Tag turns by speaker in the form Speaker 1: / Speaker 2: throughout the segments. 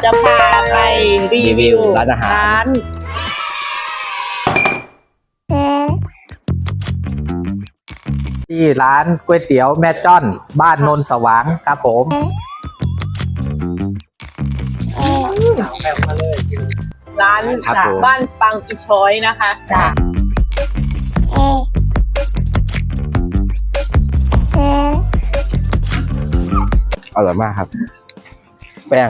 Speaker 1: จะพาไปรีวิว
Speaker 2: ร้านอาหาร
Speaker 3: ที่ร้านก๋วยเตี๋ยวแม่จ้อนบ้านโนนสว่างครับผม
Speaker 1: ร้านจากบ้านปังอีช้อยนะคะจ้ะ
Speaker 2: อร่อยมากครับแป้ง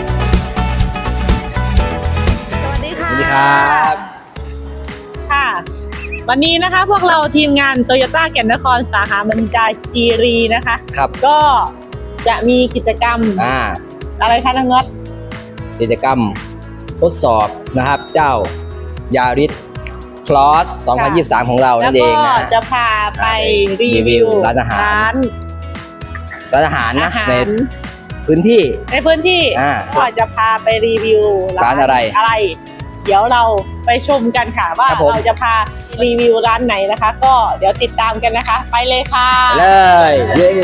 Speaker 1: สวัสดีค่ะ
Speaker 2: สวัสดีครับ
Speaker 1: ค่ะ วันนี้นะคะพวกเราทีมงานโตโยต้าแก่นนครสาขาบรรจาคีรีนะคะ
Speaker 2: ครับ
Speaker 1: ก็จะมีกิจกรรมอะไรคะน้องน็อต
Speaker 2: กิจกรรมทดสอบนะครับเจ้ายาริสคลอส2023ของเรานั่นเองนะ
Speaker 1: แล้วก็จะพาไปรีวิว
Speaker 2: ร้านอาหารนะในพื้นที่
Speaker 1: ก็จะพาไปรีวิว
Speaker 2: ร้านอะไร
Speaker 1: เดี๋ยวเราไปชมกันค่ะว่าเราจะพารีวิวร้านไหนนะคะ ก็เดี๋ยวติดตามกันนะคะไปเลยค่ะ
Speaker 2: เลยเย้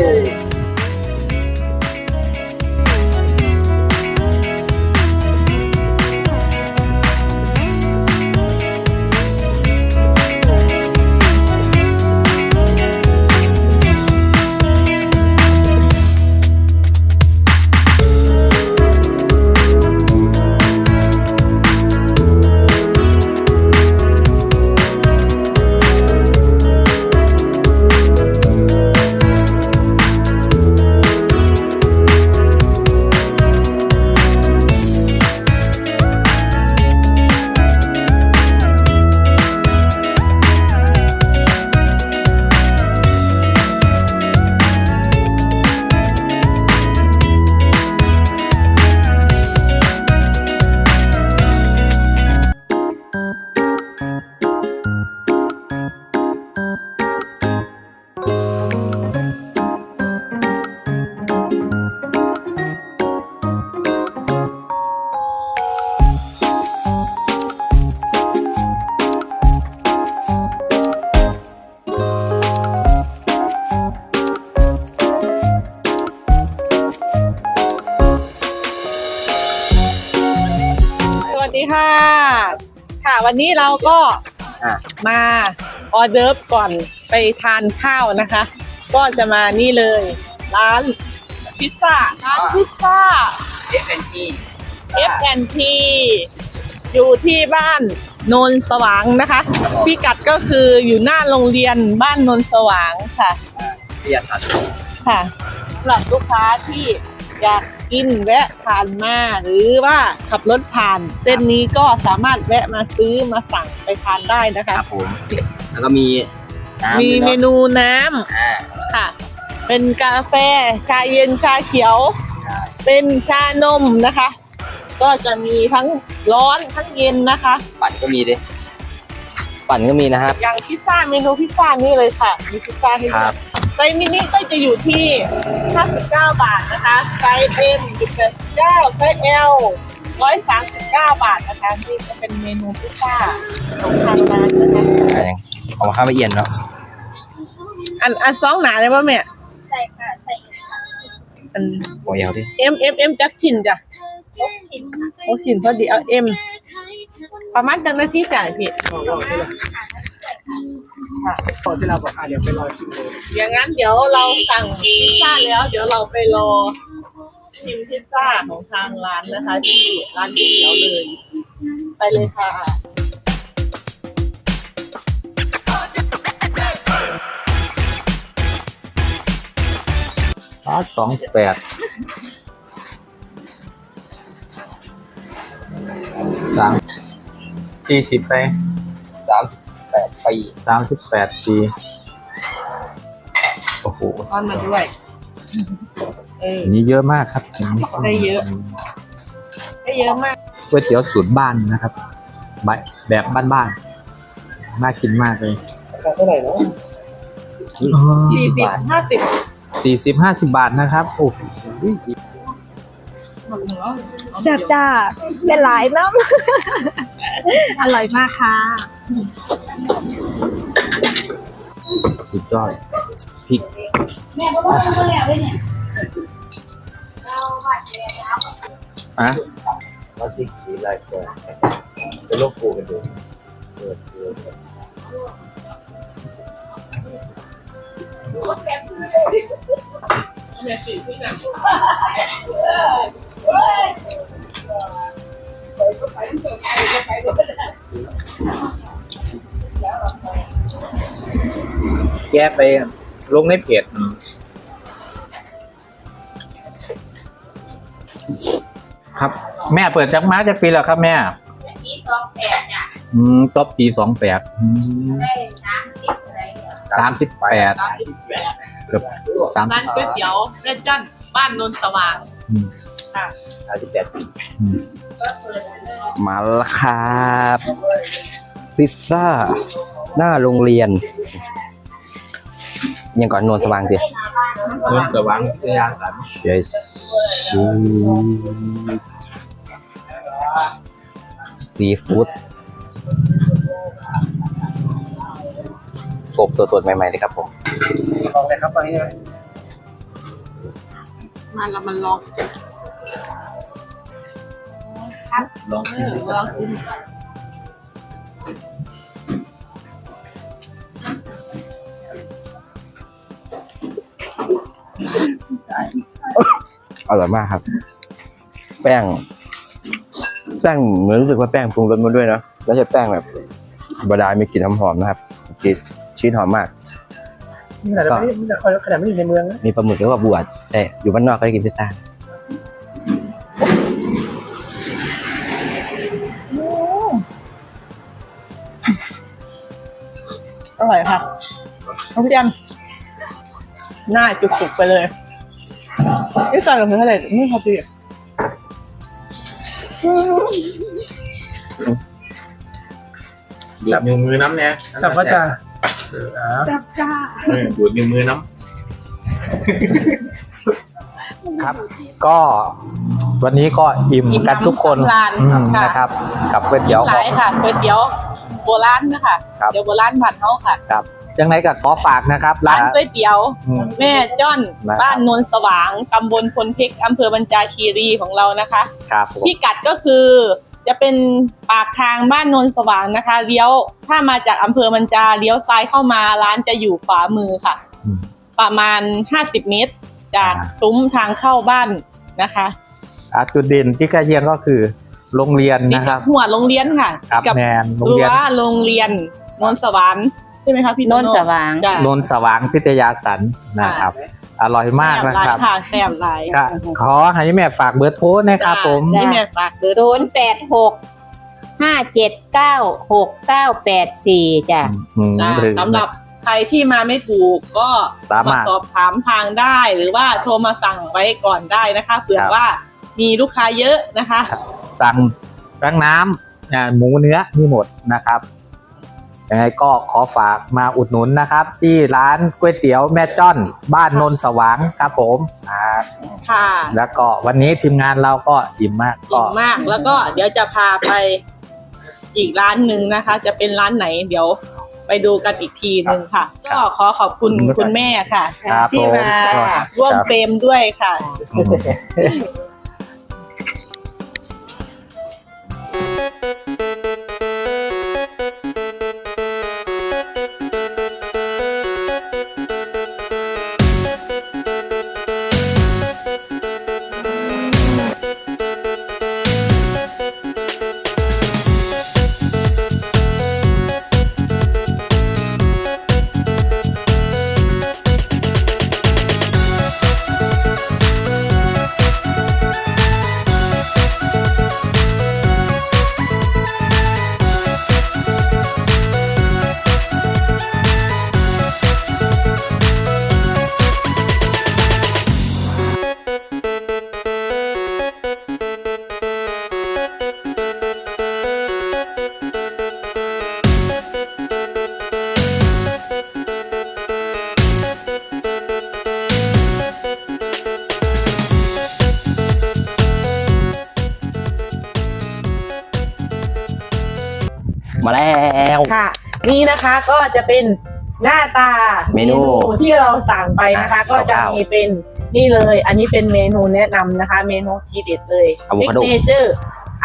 Speaker 1: ค่ะวันนี้เราก็มาออเดิร์ฟก่อนไปทานข้าวนะคะก็จะมานี่เลยร้านพิซซ่าF&T อยู่ที่บ้านโนนสว่างนะคะพิกัดก็คืออยู่หน้าโรงเรียนบ้านโนนสว่างค่ะค่ะสำหรับลูกค้าที่อยากกินแวะผ่านมาหรือว่าขับรถผ่านเส้นนี้ก็สามารถแวะมาซื้อมาสั่งไปทานได้นะคะ
Speaker 2: ครับผมแล้วก็มี
Speaker 1: เมนูน้ำค่ะเป็นกาแฟชาเย็นชาเขียวเป็นชานมนะคะก็จะมีทั้งร้อนทั้งเย็นนะคะ
Speaker 2: ปั่นก็มีนะครับ
Speaker 1: อย่างพิซซ่าเมนูพิซซ่านี่เลยค่ะมีพิซซ่าให้ด้วยไซส์มินิก็จะอยู่ที่59 บาทนะคะไซส์ M 89ไซส์ L 139 บาทนะคะนี่จะเป็นเมนูพิซซ่าของทางร้านนะคะ
Speaker 2: เอามาข้าวละเอียดเนาะ
Speaker 1: อันซองหนาเลยป่ะแม่ใส่ค่ะใส่อัน
Speaker 2: หัวยาวดิ
Speaker 1: M จักชิ้นจ้ะ6 ชิ้นพอดีเอา M ประมาณจังนาทีจ่ายพี่
Speaker 3: ก่อนที่เราบอกเดี๋ยวไปรอชิมเลย
Speaker 1: อย่างนั้นเดี๋ยวเราสั่งพิซซ่าแล้วเดี๋ยวเราไปรอชิมพิซซ่าของทางร้านนะคะที่ร้านก๋วยเตี๋ยวเลยไปเลยค่ะ
Speaker 3: 28 40ไป38 ปีโอ้โห
Speaker 1: ก้อนมาด้วย
Speaker 3: นี่เยอะมากครับ
Speaker 1: ได้เยอะมาก
Speaker 3: ก๋วยเตี๋ยวสูตรบ้านนะครับแบบบ้านๆน่ากินมากเลย
Speaker 2: เท่าไหร่เนาะ
Speaker 1: 40-50
Speaker 3: บาทนะครับโอ้โห
Speaker 1: แซ่บจ้าเป็นหลายน้ำอร่อยมากค่ะ
Speaker 3: สุดยอดพริก
Speaker 1: แม่ก็ว่าทำอะไรเนี่ย
Speaker 3: อะเราติ๊กสีลายแกจะลบปูกันดูแกไปลงในเพจครับแม่เปิดจักรมาจะปีแล้วครับแม่
Speaker 4: ปี28จ้ะ
Speaker 3: ต้นปี28
Speaker 4: ได้
Speaker 3: 38เกือบ30
Speaker 1: ร้านก๋วยเตี๋ยวแม่จ้อนบ้านนนสว่างค่ะ
Speaker 3: 38ปี
Speaker 4: ก็เปิดเลย
Speaker 2: มาแล้วครับพิซซ่าหน้าโรงเรียน ยังก่อนนวลสว่างสิ
Speaker 3: นวลสว่างวิทยาสัน
Speaker 2: yes ซีฟู้ดอบสดๆใหม่ๆเลยครับผม
Speaker 3: ลองเลยครับตอนนี้
Speaker 1: มาแล้วมันลอง
Speaker 3: ลอง
Speaker 1: ลองกิน
Speaker 2: อร่อยมากครับ แป้งเหมือนรู้สึกว่าแป้งปรุงรสมาด้วยนะไม่ใช่แป้งแบบธรรมดามีกลิ่นหอมๆนะครับกลิ่นชีสหอมมาก
Speaker 3: ขนาดไม่อยู่ในเมืองนะ
Speaker 2: มีปลาหมึกแล้วก็บวชแต่อยู่บ้านนอกก็ได้กินพิซซ่า
Speaker 1: อร่อยค่ะน้องพี่แอมหน้าจุกๆไปเลยนี่ใส่ลงไปเท่าไหร่ไม่พอดี
Speaker 3: จับนิ้วมือน้ำเนี่ยจับว่าจะ
Speaker 1: จับจ้า
Speaker 3: ดูดนิ้วมือน้ำครับ ก็วันนี้ก็อิ่มกันทุกคนนะครับกับก๋วยเตี๋ยว
Speaker 1: หลายค่ะก๋วยเตี๋ยวโบราณนะคะเดี๋ยวโบราณผัดเขาค่ะ
Speaker 3: ครับยังไงก็ขอฝากนะครับ
Speaker 1: ร้านก๋วยเตี๋ยวแม่จ้อนบ้านนนสว่างตำบลพลเพชรอำเภอบัญจาคีรีของเรานะคะพิกัดก็คือจะเป็นปากทางบ้านนนสว่างนะคะเลี้ยวถ้ามาจากอำเภอบัญจาเลี้ยวซ้ายเข้ามาร้านจะอยู่ขวามือค่ะประมาณ50 เมตรจากซุ้มทางเข้าบ้านนะคะ
Speaker 3: จุดเด่นที่ใกล้เคียงก็คือโรงเรียนนะครับ
Speaker 1: หัวโรงเรียนค่ะ
Speaker 3: กับแมนโรงเรียน
Speaker 1: โรงเรียนนนสว่างใช่ไหมคะพี่นนสว่าง
Speaker 3: นนสว่างพิทยาสันนะครับอร่อยมากนะครับ
Speaker 1: แซ่บหลาย
Speaker 3: ขอให้แม่ฝากเบอร์โทรนะครับผม
Speaker 1: ให้แม่ฝากเบอร์
Speaker 4: 086-579-6984จ้ะ
Speaker 1: สำหรับใครที่มาไม่ถูกก็มาสอบถามทางได้หรือว่าโทรมาสั่งไว้ก่อนได้นะคะเผื่อว่ามีลูกค้าเยอะนะคะ
Speaker 3: สั่งทั้งน้ำหมูเนื้อมีหมดนะครับยังไงก็ขอฝากมาอุดหนุนนะครับที่ร้านก๋วยเตี๋ยวแม่จ้อนบ้านนนสว่างครับผม
Speaker 1: ค่ะ
Speaker 3: แล้วก็วันนี้ทีมงานเราก็อิ่มมาก
Speaker 1: แล้วก็เดี๋ยวจะพาไปอีกร้านหนึ่งนะคะจะเป็นร้านไหนเดี๋ยวไปดูกันอีกทีหนึ่งค่ะก็ขอขอบคุณคุณแม่ค่ะที่มาร่วมเฟรมด้วยค่ะ
Speaker 2: มาแล้ว
Speaker 1: ค่ะนี่นะคะก็จะเป็นหน้าตาเมนูที่เราสั่งไปนะคะก็จะมีเป็นนี่เลยอันนี้เป็นเมนูแนะนำนะคะเมนูทีเด็ดเลยซิกเนเจอร์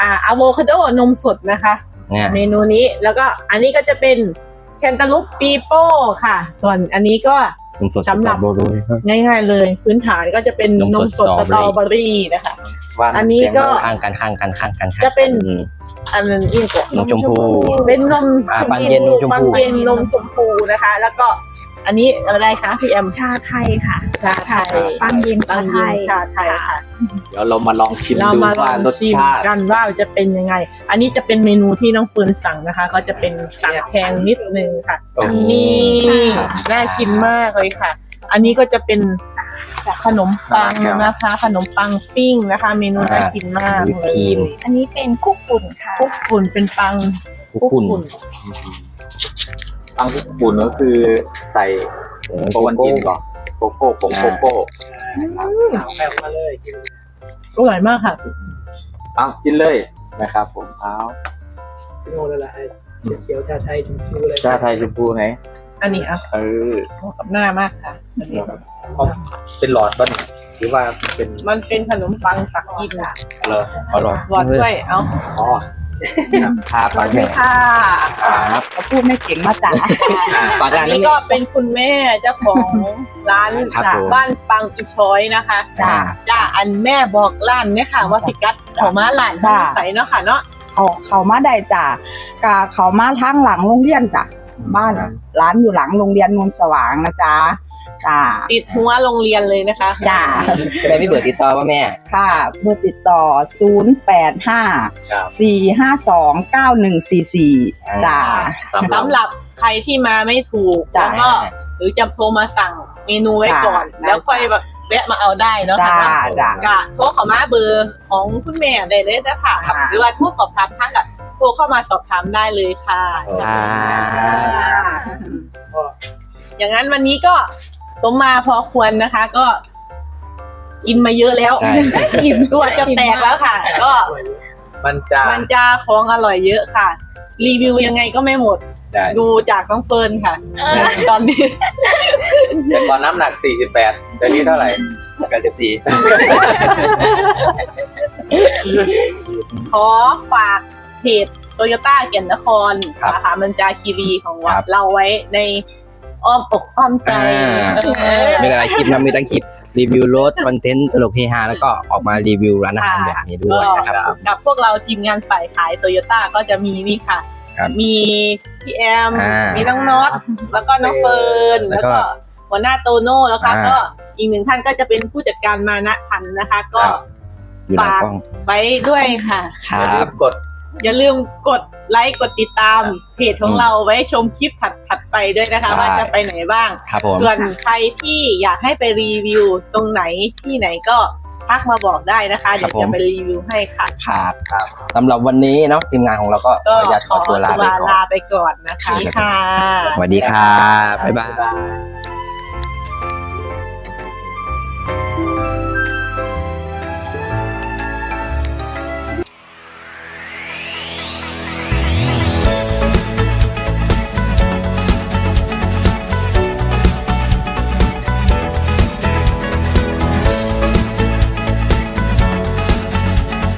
Speaker 1: อะโวคาโดนมสดนะคะ
Speaker 2: เนี่ย
Speaker 1: เมนูนี้แล้วก็อันนี้ก็จะเป็นแคนตาลูปปีโป้ค่ะ ส่วนอันนี้ก็
Speaker 2: นมสด
Speaker 1: สำหรับ
Speaker 2: สตอเบอรี่
Speaker 1: ง่ายๆเลย พื้นฐานก็จะเป็นน
Speaker 2: น
Speaker 1: ม
Speaker 2: ม
Speaker 1: ส
Speaker 2: ส
Speaker 1: ด
Speaker 2: ด
Speaker 1: สตรอเบอรี่นะคะ อันนี้ก็
Speaker 2: ข้างกัน
Speaker 1: จะเป็น อันนั้นอีกก่อน
Speaker 2: นมชมพู
Speaker 1: เป็นนม
Speaker 2: ปังเย็นนมชมพู
Speaker 1: ปังเย็นนมชมพูนะคะ แล้วก็อันนี้อะไรคะพี่แอม
Speaker 5: ชาไทยค่ะ
Speaker 1: ชาไทย
Speaker 5: ปังเย็น
Speaker 1: ปั
Speaker 5: ชาง ไท
Speaker 1: เย็น
Speaker 5: ย
Speaker 1: ชาไทยค่ะ
Speaker 3: เดี๋ยวเรามาลองชิม
Speaker 1: เรา
Speaker 3: ดู
Speaker 1: มาล
Speaker 3: ว่า
Speaker 1: อง
Speaker 3: รส
Speaker 1: ชิม
Speaker 3: ชาติ
Speaker 1: กันว่าจะเป็นยังไง อันนี้จะเป็นเมนูที่น้องเฟิร์นสั่งนะคะ ก็จะเป็นสั่งแพงนิดนึงค่ะ
Speaker 3: โอ้โห
Speaker 1: นี่น่ากินมากเลยค่ะ อันนี้ก็จะเป็นขนมปังนะคะ ขนมปังปิ้งนะคะ เมนูน่ากินมาก
Speaker 2: วิป
Speaker 1: เล
Speaker 2: ครี
Speaker 1: ย
Speaker 2: ม
Speaker 5: อันนี้เป็นคุกฝุ่นค่ะ
Speaker 1: คุกฝุ่นเป็นปัง
Speaker 2: คุกฝุ่น
Speaker 3: ปังฝุ่นก็คือใส่โกวันตินก่อนโกโก้ผงโกโก้
Speaker 1: อร่อยมากค่ะ
Speaker 3: เอากินเลยนะครับผมเอา
Speaker 6: โน่นอะไรเขียวชาไทยชมพูเลย
Speaker 3: ชาไทยชมพูไหน
Speaker 1: อันนี้อ่ะ
Speaker 3: เออ
Speaker 1: เหมาะกับหน้ามากค่ะอันนี้
Speaker 3: เอาเป็นหลอดบ้านหรือว่าเป็น
Speaker 1: มันเป็นขนมปังตักกิน
Speaker 3: เลออร่อย
Speaker 1: หวานด้วยเอา
Speaker 3: อ๋อ
Speaker 2: ครับฝากเนี่ย
Speaker 1: ค่ะ
Speaker 2: ครับ
Speaker 4: เขาพูดไม่เก่งมาจ๋า
Speaker 2: ฝาก
Speaker 1: อั
Speaker 2: ร้าน น
Speaker 1: นี้
Speaker 2: นี้
Speaker 1: ก็เป็นคุณแม่เจ้าของร้าน
Speaker 2: ครับ
Speaker 1: จาก
Speaker 2: ผม
Speaker 1: บ้านปังอีช้อยนะคะ
Speaker 2: จ้า
Speaker 1: จ้าอันแม่บอกร้านเนี่ยค่ะว่าพิกัดเขามาร้าน
Speaker 7: จ้า
Speaker 1: ใส่เนาะค่ะเนาะ
Speaker 7: เขามาได้จ้ะกะเขามาทางหลังโรงเรียนจ้ะบ้านร้านอยู่หลังโรงเรียนนนสว่างนะจ๊ะจ้ะ
Speaker 1: ติดหัวโรงเรียนเลยนะคะ
Speaker 7: จ้ะ
Speaker 2: แม่ไม่เบื่อติดต่อว่าแม่
Speaker 7: ค่ะเบอร์ติดต่อ 085-452-9144จ้ะ
Speaker 1: สำหรับใครที่มาไม่ถูก
Speaker 7: จ้ะ
Speaker 1: แล้วก็หรือจะโทรมาสั่งเมนูไว้ก่อน
Speaker 7: จ้ะ
Speaker 1: แล้วค่อยแบบแวะมาเอาได้เนาะ
Speaker 7: จ้ะ
Speaker 1: ค่ะ
Speaker 7: จ้ะ
Speaker 1: กะโทรเข้ามาเบอร์ของคุณแม่ได้เลยนะคะ
Speaker 7: ค่ะ
Speaker 1: หรือว่าโทรสอบถามท่านกับโทรเข้ามาสอบถามได้เลยค่ะ
Speaker 2: อ่า
Speaker 1: อย่างนั้นวันนี้ก็สมมาพอควรนะคะ ก็กินมาเยอะแล้ว
Speaker 2: ใช่
Speaker 1: อิ่มตัวจะแตกแล้วค่ะ ก็
Speaker 3: มันจะ
Speaker 1: มันจะของอร่อยเยอะค่ะ รีวิวยังไงก็ไม่หมด
Speaker 3: ได้
Speaker 1: ดูจากน้องเฟิร์นค่ะ ตอนนี้
Speaker 3: แต่ตอนน้ำหนัก 48แต่นี้เท่าไหร่
Speaker 2: 94
Speaker 1: ขอฝากเพจโตโยต้าเกียรตินคร
Speaker 2: ครับ
Speaker 1: สาขามันจาคีรีของ
Speaker 2: ครับ
Speaker 1: เราไว้ในอ้อมอกอ้อมใจ
Speaker 2: มีหลายคลิปนะมีทั้งคลิปรีวิวรถคอนเทนต์ตลกเฮฮาแล้วก็ออกมารีวิวร้านอาหารแบบนี้ด้วยนะครับ
Speaker 1: กับพวกเราทีมงานฝ่ายขายโตโยต้าก็จะมีนี่ค่ะ
Speaker 2: ครับ
Speaker 1: มีพี่แอม
Speaker 2: มี
Speaker 1: มีน้องน็อต แล้วก็น้องเฟิร์น
Speaker 2: แล้
Speaker 1: แล้ว ว
Speaker 2: ก็
Speaker 1: ก็หัวหน้าโตโน่แล้วค่ะ
Speaker 2: อ่า
Speaker 1: ก็อีกหนึ่งท่านก็จะเป็นผู้จัดการมานะพันธ์นะคะ ก็
Speaker 2: อยู่หลังกล้อง
Speaker 1: ไว้ด้วยค่ะ
Speaker 2: ครับ
Speaker 3: กด
Speaker 1: อย่าลืมกดไลค์กดติดตามเพจของเราไว้ชมคลิปถัดไปด้วยนะคะ
Speaker 2: ใช่
Speaker 1: ว่าจะไปไหนบ้าง
Speaker 2: ครับผม
Speaker 1: ส่วนใครที่อยากให้ไปรีวิวตรงไหนที่ไหนก็ทักมาบอกได้นะคะ เดี๋ยวจะไปรีวิวให้ค่ะ
Speaker 2: ครับสำหรับวันนี้เนาะทีมงานของเราก็ข
Speaker 1: ก็
Speaker 2: ออนุญาตขอตัวลาไปก่อน
Speaker 1: ลาไปก่อนนะคะค่ะ
Speaker 2: สวัสดีครับบ๊ายบาย
Speaker 3: บ๊ายบาย